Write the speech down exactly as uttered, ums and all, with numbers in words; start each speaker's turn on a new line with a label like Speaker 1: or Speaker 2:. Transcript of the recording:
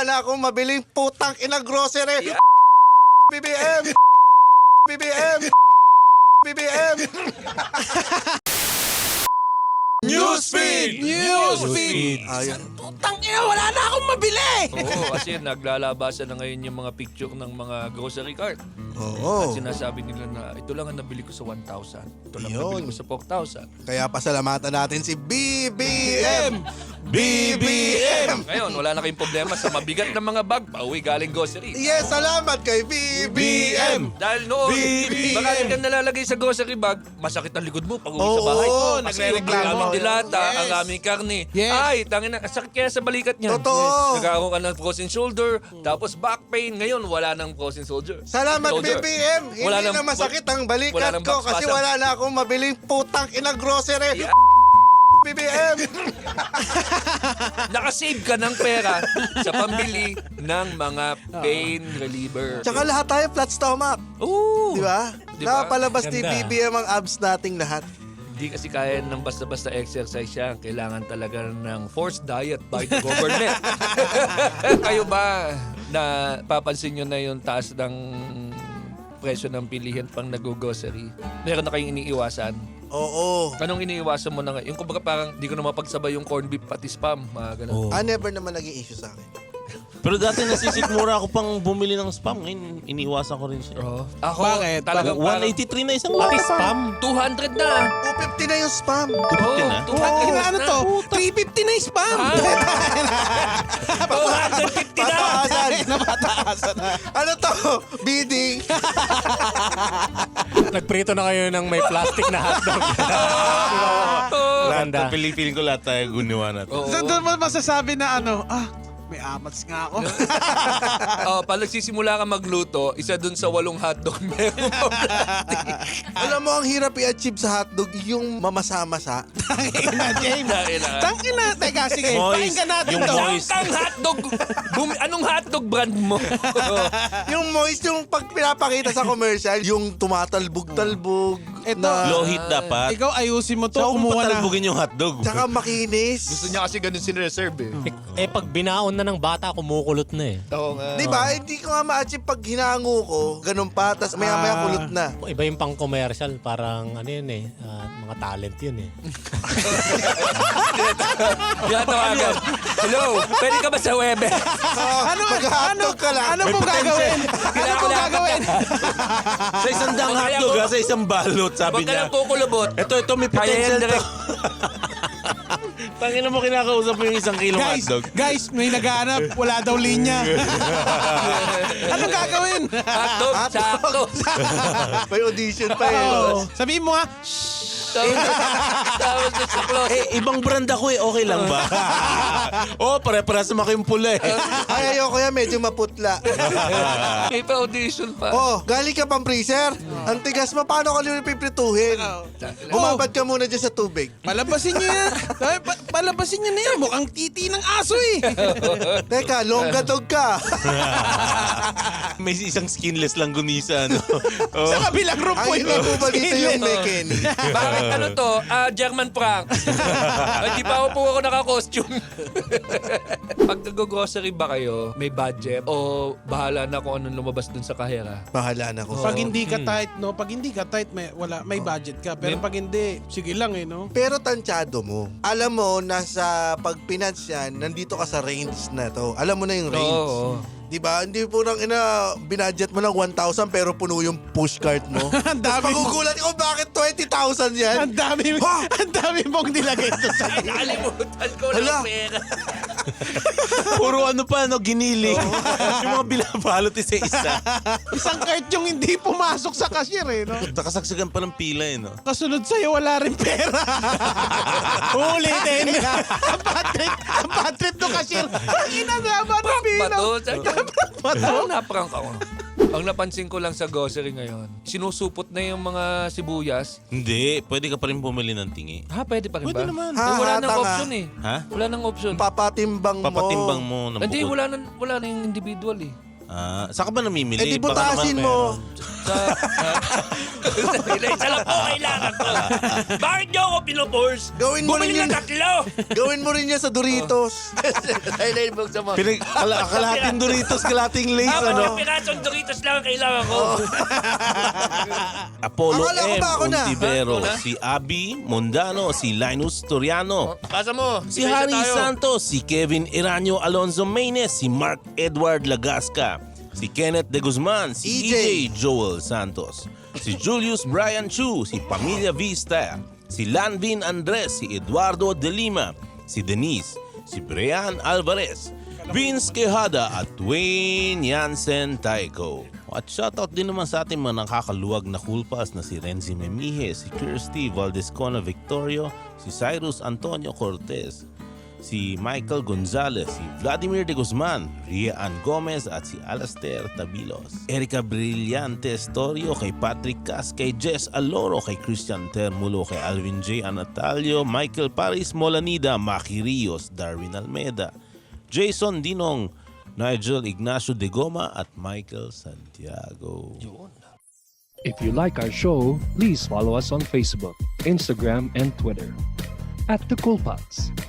Speaker 1: na akong mabiling putang ina grocery. B B M! B B M! B B M!
Speaker 2: Newsfeed!
Speaker 3: Newsfeed!
Speaker 1: Ayun.
Speaker 3: Putang ina, wala na akong mabili!
Speaker 2: Oo, kasi naglalabasan na ngayon yung mga picture ng mga grocery cart.
Speaker 1: Oo.
Speaker 2: At sinasabi nila na ito lang ang nabili ko sa one thousand. Ito lang
Speaker 1: Yun.
Speaker 2: nabili ko sa four thousand.
Speaker 1: Kaya pasalamatan natin si B B M! B B M!
Speaker 2: Ngayon, wala na kayong problema sa mabigat na mga bag pauwi galing grocery.
Speaker 1: Yes, salamat kay B B M!
Speaker 2: Dahil noon,
Speaker 1: B B M.
Speaker 2: baka hindi ka nalalagay sa grocery bag, masakit ang likod mo pag uwi
Speaker 1: Oo,
Speaker 2: sa bahay.
Speaker 1: oo,
Speaker 2: Kasi
Speaker 3: nagre-reklamo.
Speaker 2: yung aming dilata,
Speaker 3: Yes.
Speaker 2: ang aming karne.
Speaker 3: Yes.
Speaker 2: Ay, tangin na, sakit kaya sa balikat niya.
Speaker 1: Totoo.
Speaker 2: Nagkakaroon ka ng frozen shoulder, tapos back pain. Ngayon, wala nang frozen shoulder.
Speaker 1: Salamat B
Speaker 2: Shoulder.
Speaker 1: B M! Hindi
Speaker 2: Wala
Speaker 1: na
Speaker 2: nang-
Speaker 1: masakit ang
Speaker 2: wala
Speaker 1: balikat
Speaker 2: nang
Speaker 1: ko
Speaker 2: back
Speaker 1: kasi
Speaker 2: spasm.
Speaker 1: wala na akong mabiling putang ina grocery.
Speaker 2: Yeah.
Speaker 1: B B M!
Speaker 2: Nakasave ka ng pera sa pambili ng mga pain reliever.
Speaker 1: Tsaka lahat tayo flat stomach.
Speaker 2: Oo.
Speaker 1: Di ba?
Speaker 2: Di ba?
Speaker 1: Napalabas ni
Speaker 3: Ganda.
Speaker 1: B B M ang abs nating lahat.
Speaker 2: Hindi kasi kaya ng basta-basta exercise yan. Kailangan talaga ng forced diet by the government. Kayo ba na papansin nyo na yung taas ng presyo ng pilihan pang nag-grocery? Meron na kayong iniiwasan?
Speaker 1: Oo.
Speaker 2: Anong iniiwasan mo na ngayon? Yung kumbaga parang di ko na mapagsabay yung corned beef pati spam. Mga ganun.
Speaker 3: Oh.
Speaker 1: Ah, never naman naging issue sa akin.
Speaker 4: Pero dati nasisikmura ako pang bumili ng spam. Ngayon, iniiwasan ko rin siya.
Speaker 2: Oh. Ako,
Speaker 3: Bakit?
Speaker 2: talagang
Speaker 4: one eighty-three na isang
Speaker 3: Pati
Speaker 4: lata.
Speaker 3: spam?
Speaker 2: two hundred na.
Speaker 1: two fifty na yung spam.
Speaker 2: Oh,
Speaker 4: na?
Speaker 2: two hundred
Speaker 3: Oh,
Speaker 2: na.
Speaker 3: ano to? three fifty na yung spam!
Speaker 2: two hundred fifty na.
Speaker 1: Pataasan.
Speaker 3: Napataasan na.
Speaker 1: Ano to? Bidding.
Speaker 5: Nagprito na kayo ng may plastic na hotdog.
Speaker 2: Oh.
Speaker 4: Lahat,
Speaker 5: Ganda.
Speaker 4: piling-piling ko lahat tayo gunawa natin.
Speaker 2: Oo.
Speaker 3: So doon mo masasabi na ano, ah, may amats nga ako.
Speaker 2: Oh, pag nagsisimula ka magluto, isa dun sa walong hotdog meron mo plastic.
Speaker 1: Alam mo, ang hirap i-achieve sa hotdog yung mamasa-masa.
Speaker 3: Tangina, James.
Speaker 2: Tangina.
Speaker 3: Tangina. Teka, sige.
Speaker 4: Moist.
Speaker 3: Pakinggan natin
Speaker 4: Yung
Speaker 3: to.
Speaker 4: moist.
Speaker 2: Ang hotdog, bumi, anong hotdog brand mo?
Speaker 1: Yung moist, yung pag pinapakita sa commercial, yung tumatalbog-talbog.
Speaker 3: Ito.
Speaker 1: na,
Speaker 4: Low heat dapat.
Speaker 3: Ikaw ayusin mo to.
Speaker 4: So, kung
Speaker 3: Kumuha na.
Speaker 4: patalbugin yung hotdog.
Speaker 1: Tsaka makinis.
Speaker 2: Gusto niya kasi ganun sinereserve eh.
Speaker 5: eh pag binaon na ng bata, kumukulot na eh.
Speaker 2: Oo nga.
Speaker 1: Di ba? Hindi ko nga ma-achieve pag hinango ko, ganun pa, tapos maya-maya
Speaker 3: Ah.
Speaker 1: kulot na.
Speaker 5: Iba yung pang commercial, parang ano yun eh, ah, mga talent yun eh.
Speaker 2: Tinatawagan. Hello, pwede ka ba sa web?
Speaker 3: Ano,
Speaker 1: Mag-hotdog ka lang.
Speaker 3: Ano pong gagawin? Ano pong gagawin?
Speaker 4: Sa isang dang
Speaker 2: Huwag kaya
Speaker 4: hotdog,
Speaker 2: mo-
Speaker 4: ha, sa isang balot, sabi
Speaker 2: Huwag ka
Speaker 4: niya.
Speaker 2: lang kukulubot.
Speaker 4: Ito, ito, may
Speaker 2: Kaya
Speaker 4: potential
Speaker 2: yan
Speaker 4: to.
Speaker 2: direct.
Speaker 4: Tangina mo, kinakausap mo yung isang kilong
Speaker 3: Guys,
Speaker 4: hotdog.
Speaker 3: guys, may naghahanap. Wala daw linya. Ano gagawin?
Speaker 2: Hotdog, sakto.
Speaker 1: May audition pa eh.
Speaker 3: Oh, sabihin mo ha.
Speaker 2: Tapos tapos doon sa closet.
Speaker 4: Eh, ibang brand ako eh. Okay lang ba? oh, pare-paras naman kayong pula eh.
Speaker 1: Ay, ayoko yan, medyo maputla.
Speaker 2: May pa-audition pa.
Speaker 1: Oh, galing ka pang freezer. Ang tigas mo, paano ka nyo piprituhin? Bumabad ka muna dyan sa tubig.
Speaker 3: Palabasin niyo yan. Sabi, pa- palabasin niyo na yan. Mukhang titi ng aso eh.
Speaker 1: Teka, longga dog ka.
Speaker 4: May isang skinless lang gumisa, ano? Oh.
Speaker 3: Sa kabilang room po
Speaker 1: Ang hindi po ba dito yung Mekken?
Speaker 2: Bakit ano to? Ah, German prank. Hindi pa ako po ako naka-costume. Pag nag-grocery ba kayo, may budget o bahala na kung anong lumabas dun sa kahera?
Speaker 1: Bahala na ko.
Speaker 3: Pag hindi ka tight, no? Pag hindi ka tight, may, wala, may budget ka. Pero pag hindi, sige lang eh, no?
Speaker 1: Pero tansyado mo. Alam mo, nasa pag finance yan, nandito ka sa range na to. Alam mo na yung range.
Speaker 2: Oo.
Speaker 1: Di ba? Hindi po nang ina, binadget mo ng one thousand pero puno yung push cart mo.
Speaker 3: Ang dami mo.
Speaker 1: Pagugulat ko, bakit twenty thousand yan?
Speaker 3: Ang dami,
Speaker 1: Ha?
Speaker 3: ang dami mong nilagay to sa
Speaker 2: Ay, nakalimutan ko
Speaker 1: Hala.
Speaker 2: lang pera.
Speaker 4: Puro ano pa, no? Giniling. yung mga binabalot isa-isa.
Speaker 3: isang cart yung hindi pumasok sa cashier eh, no?
Speaker 4: Nakasagsagan pa ng pila eh, no?
Speaker 3: Kasunod sa'yo, wala rin pera. Ulitin. ang bad trip, ang bad trip ng cashier. Ang inagama ng bilang.
Speaker 2: Bato. Ano na-prank ako? Ang napansin ko lang sa grocery ngayon, sinusupot na yung mga sibuyas.
Speaker 4: Hindi, pwede ka pa rin bumili ng tingi.
Speaker 2: Ha, pwede pa rin
Speaker 4: Pwede
Speaker 2: ba?
Speaker 4: naman.
Speaker 2: Eh, wala
Speaker 1: Ha,
Speaker 2: nang
Speaker 1: tanga.
Speaker 2: option eh.
Speaker 4: Ha?
Speaker 2: Wala nang option.
Speaker 1: Papatimbang mo.
Speaker 4: Papatimbang mo ng
Speaker 2: Hindi,
Speaker 4: bukod.
Speaker 2: wala nang, wala nang individual eh.
Speaker 4: Ah, saan ka ba namimili?
Speaker 1: Eh di
Speaker 4: Baka
Speaker 1: butasin
Speaker 4: naman
Speaker 1: mo.
Speaker 2: Sa, isa lang po kailangan ko. Bakit niyo ako pinuforce?
Speaker 1: Gawin mo rin
Speaker 2: Bumili
Speaker 1: yun.
Speaker 2: na tatlo.
Speaker 1: Gawin mo rin yan sa Doritos.
Speaker 2: Ay, buksan mo.
Speaker 4: Pinag, kala, kalating Doritos, kalating Lays,
Speaker 2: Ako,
Speaker 4: ano?
Speaker 2: yung pirasong Doritos lang ang kailangan ko.
Speaker 4: Apollo
Speaker 1: Akala ko
Speaker 4: M.
Speaker 1: ba ako na?
Speaker 4: Ontivero,
Speaker 2: Ako na?
Speaker 4: si Abby Mondano, si Linus Toriano,
Speaker 2: Pasa mo.
Speaker 4: si
Speaker 2: Isa-isa
Speaker 4: Harry
Speaker 2: tayo.
Speaker 4: Santos, si Kevin Iranio Alonzo Maynes, si Mark Edward Lagasca, si Kenneth De Guzman, si
Speaker 1: E J.
Speaker 4: E J Joel Santos, si Julius Brian Chu, si Pamilya Vista, si Lanvin Andres, si Eduardo De Lima, si Denise, si Brian Alvarez, Vince Quejada at Wayne Jansen Taiko. At shoutout din naman sa ating mga nakakaluwag na cool pass na si Renzi Memije, si Kirsty Valdescona Victorio, si Cyrus Antonio Cortez, si Michael Gonzalez, si Vladimir De Guzman, Ria Ann Gomez at si Alastair Tabilos. Erika Brillantes Torio, kay Patrick Cas, kay Jess Aloro, kay Christian Termulo, kay Alvin J. Anatalio, Michael Paris Molanida, Maki Rios, Darwin Almeda, Jason Dinong, Nigel Ignacio De Goma at Michael Santiago.
Speaker 6: If you like our show, please follow us on Facebook, Instagram, and Twitter at The Cool Pots.